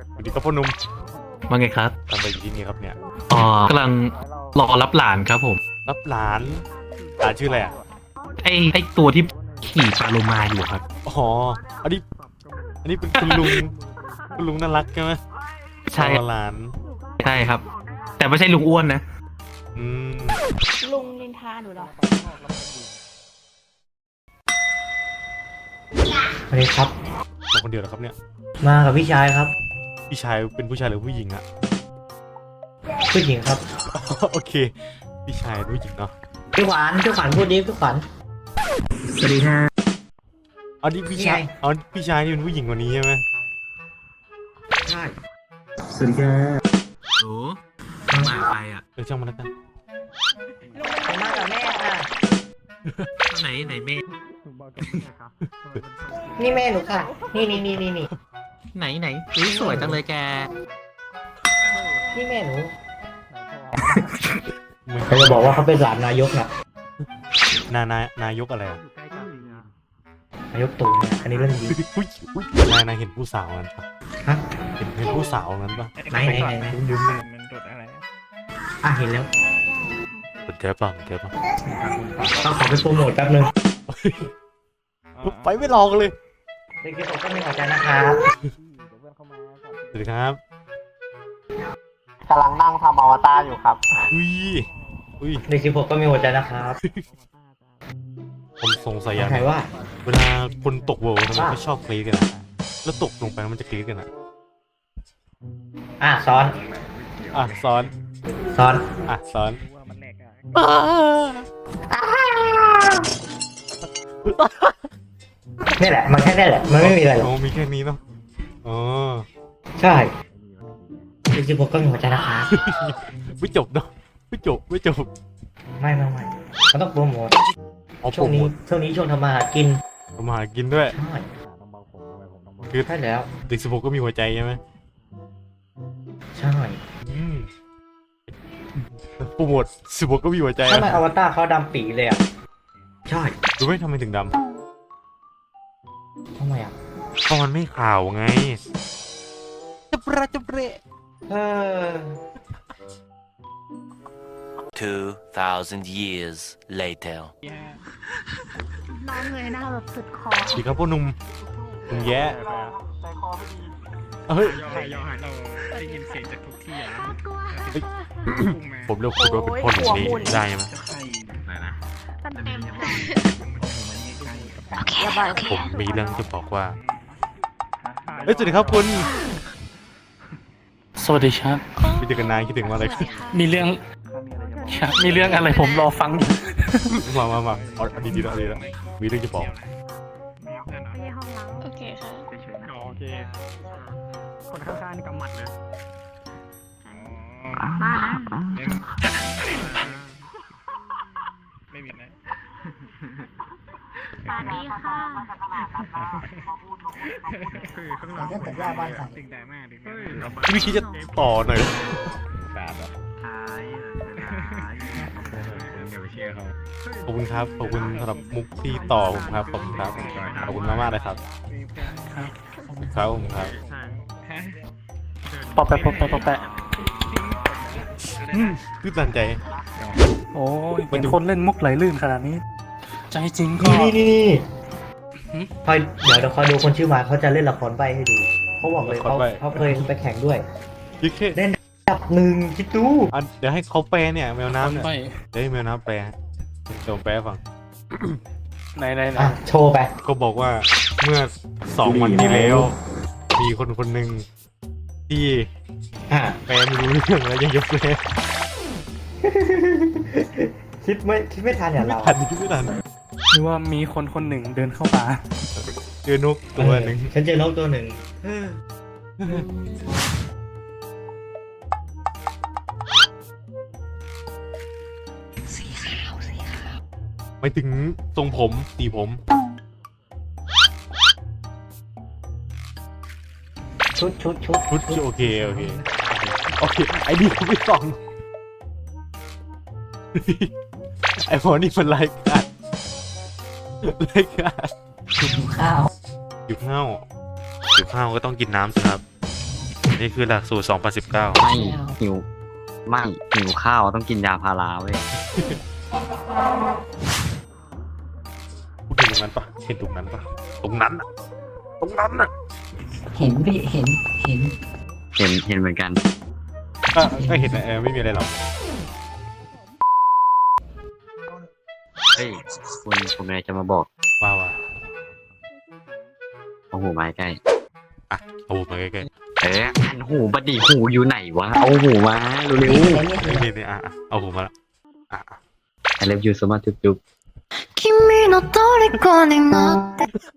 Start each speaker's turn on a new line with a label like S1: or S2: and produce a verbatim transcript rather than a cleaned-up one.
S1: สวัสดีครับพ่อหนุ่ม
S2: ว่าไงครับ
S1: ทำอะไรอยู่ที่นี่ครับเนี่ย
S2: อ๋อกำลังรอรับหลานครับผม
S1: รับหลานหลานชื่ออะไรอ่ะ
S2: ไอไอตัวที่ขี่ปลาโลมาอยู่ครับ
S1: อ๋ออันนี้อันนี้เป็นคุณลุงคุณลุงน่ารักใช่ไหม
S2: ใช่
S1: รอหลาน
S2: ใช่ครับ แต่ไม่ใช่ลุงอ้วนนะ
S1: อืม
S3: ลุงนินทาหนูเหรอ
S4: สวัสดีครับ
S1: มาคนเดียวเหรอครับเนี่ย
S4: มากับพี่ชายครับ
S1: พี่ชายเป็นผู้ชายหรือผู้หญิงอะ
S4: ผู้หญิงครับ
S1: โอเคพี่ชายเป็นผู้หญิงเนาะ
S4: พี่ขวัญพี่ขวัญพูดดิพี่ขวัญสวัสดีค่ะ
S1: อ๋อนี่พี่ชาย
S4: นี่ไง
S1: อ๋อพี่ชายนี่เป็นผู้หญิงกว่านี้ใช่ไหม
S4: ใช่สวัสดีค่ะ
S2: โอ้มาไปอ่ะ
S1: เออช่างมันแล้วกัน
S4: ผมมากับแม่ค่ะ
S2: ไหนไหนแม่
S4: นี่แม่หนูค่ะ นี่นี่นี่นี่นี่
S2: ไหนไหนอุ๊ยสวยจังเลยแก
S4: นี่แม่หนู
S1: มึง
S4: เขาจะบอกว่าเขาเป็นหลานนายกนะ
S1: นานายนายกอะไรอะ
S4: นายกตู่เนี่ยอันนี้เรื่องจริง
S1: อุ๊ยอุ๊ยนายนายเห็นผู้สาวนั้นปะ
S4: ฮะ
S1: เห็นเห็นผู้สาวนั้นปะ
S4: ไหนไหนไหนไหน
S5: ลืมๆมันโดดอะไรอะ
S4: อ่ะเห็นแล้ว
S1: สนใจปะสนใจปะ
S4: ต้องขอไปโปรโมทแป๊บนึง
S1: ไปไม่รอกันเลย
S4: เด็กๆผมก็มีหัวใจนะครับ
S1: สวัสดีครับ
S6: กำลังนั่งทำอวตารอยู่ครับ
S1: อุ้ยอุ้ย
S4: เด็กสิบหกก็มีหัวใจนะครับ
S1: ผมสงสัยอย่าง
S4: ใครว่า
S1: เวลาคนตกเวิลด์ทำไมเขาชอบกรี๊ดกันอะแล้วตกลงไปมันจะกรี๊ดกันอะ
S4: อ่ะซ้อน
S1: อ่ะซ้อน
S4: ซ้อน
S1: อ่ะซ้อน
S5: ว่ามันแหลกอะ
S4: นี่แหละมันแค่นี้แหละมันไม่มีอะไรหรอก
S1: โอ้มีแค่นี้เนาะอ๋อ
S4: ใช่เด็กสิบหกก็มีหัวใจนะครับ
S1: ไม่จบเนาะไม่จบไม่จบ
S4: ไม่ไม่ไม่มันต้องโปรโมท
S1: เอาโป
S4: ช่
S1: ร
S4: วง
S1: โม
S4: นี้
S1: ท
S4: ช่วงนี้ช่วงทำมาหากิน
S1: ทำมาหากินด้วย
S4: ใช่
S1: คือ
S4: ใช่แล้ว
S1: เด็กสิบหกก็มีหัวใจใช่ไหม
S4: ใช่
S1: อืมโปรโมทสิบหกก็มีหัวใจ
S4: ทำไม
S1: อะ
S4: อวตารเขาดำปีเลยอ่ะใช่
S1: รู้ไหมทำไมถึงด
S4: ทำไมอ่ะ
S1: ำเพราะมันไม่ขาวไงจะประจะเปะ
S4: เออ
S7: Two thousand years later.
S3: น้องเงยหน้าแบบสุดคอ
S1: ดีครับพ่อหนุ่มหนุ่มแย่
S6: ใจคอไม่ดี
S1: เฮ้ย
S5: ย่อหายย่อหายเราได้ยินเสียงจากทุกที่อะ
S3: กลัว
S5: พุ่งมา
S1: ผมเรียกคุณว่าเป็นพ่อหนุ่มนี้ได้ไหม
S5: จะใครไหนนะ
S3: เต็มเต็มเลย
S5: โอเคอย่าบอกโอเค
S1: ผมมีเรื่องจะบอกว่าเฮ้ยสวัสดีครับคุณ
S8: สวัสดีครับ
S1: พี่เจอกันนานคิดถึงมาเลย
S8: มีเรื่องครับมีเรื่องอะไรผมรอฟังอยู่
S1: มามามาเอาอันนี้ดีแล้วอันนี้แล้วมีเรื่องจะบอก
S5: มีเพื่อนเหรอ
S3: ไม่ใช่ห้องล้างโอเคค่ะ
S5: เฉยๆนะอ๋อโอเคคนข้างๆนี่กำหมัดเลยอ๋อ
S3: มานะ
S5: ไม่มีนะ
S3: สวัสดีค่ะ
S5: คือข้างหลังสิ่งแต่มากดิ
S1: พี่คิดจะต่อหน่อย
S5: แปดแบบอย่าไปเชื่อเขา
S1: ขอบคุณครับขอบคุณสำหรับมุกที่ต่อผมครับขอบคุณครับขอบคุณมากมากๆเลยครับขอบคุณครับขอบคุณครับ
S8: ปอแปะปอแปะปอแปะ
S1: อืมตื้นตันใจ
S8: โอ้ยเห็นคนเล่นมุกไหลลื่นขนาดนี้ ใจจริงก็
S4: นี่นี่นี่นี่คอยเดี๋ยวเดี๋ยวคอยดูคนชื่อมาเขาจะเล่นละครใบให้ดูเขาบอกเลยเขาเขาเคยไปแข่งด้วย
S1: ยิ่งแค่
S4: เล่นดับหนึ่งคิดดู
S1: อันเดี๋ยวให้เขาแปลเนี่ยแมวน้ำเนี่ย
S8: ไป
S1: เดี๋ยวให้แมวน้ำแปลเดี๋ยวผมแปลให้ฟัง
S8: ไหนไหนไหน
S4: อ่ะโชว์ไป
S1: ก็บอกว่าเมื่อสองวันที่แล้ว มีคนคนหนึ่งที่
S4: อ่ะ
S1: แปลไม่รู้เรื่องแล้วยังจะแปล
S4: คิดไม่คิดไม่ทันอย่าง
S1: ไม่
S4: เรา
S1: ทันคิดไม่ทัน
S8: หรือว่ามีคนคนหนึ่งเดินเข้ามา
S1: เจอนกตัวหนึ่ง
S4: ฉันเจอนกตัวหนึ่ง
S1: ไปถึงทรงผมสีผม
S4: ชุดชุดชุด
S1: ชุดโอเคโอเคโอเคไอ้นี่ผมไม่ส่อง ไอ้พอนี่มันรายการรายการ
S4: ข้าว
S1: อยู่ข้าวอยู่ข้าวก็ต้องกินน้ำสิครับนี่คือหลักสูตรสองพันสิบเก้า
S9: ไม่หิวไม่หิวข้าวต้องกินยาพาราเว้ย
S1: พูดถึงตรงนั้นปะเห็นตรงนั้นปะตรงนั้นอะตรงนั้นอะ
S10: เห็นพี่เห็นเห็น
S9: เห็นเห็นเหมือนกัน
S1: ก็ก็เห็นนะเออไม่มีอะไรหรอก
S9: เฮ้ยคุณผมเลยจะมาบอก
S1: ว่าว่า
S9: เอาหูมาใกล้
S1: อ่ะเอาหูมาใกล้
S9: เอ๊ะอันหูบัดดีหูอยู่ไหนวะเอาหูมาเร็ว
S10: เห็นแล้ว
S1: ๆ
S10: เนี่ย
S1: นี่นี่นี่อ่ะอ่ะเอาหูมาละอ่ะอ่ะ
S9: ๆ I love you so much จุ๊บๆ
S3: 君の虜になって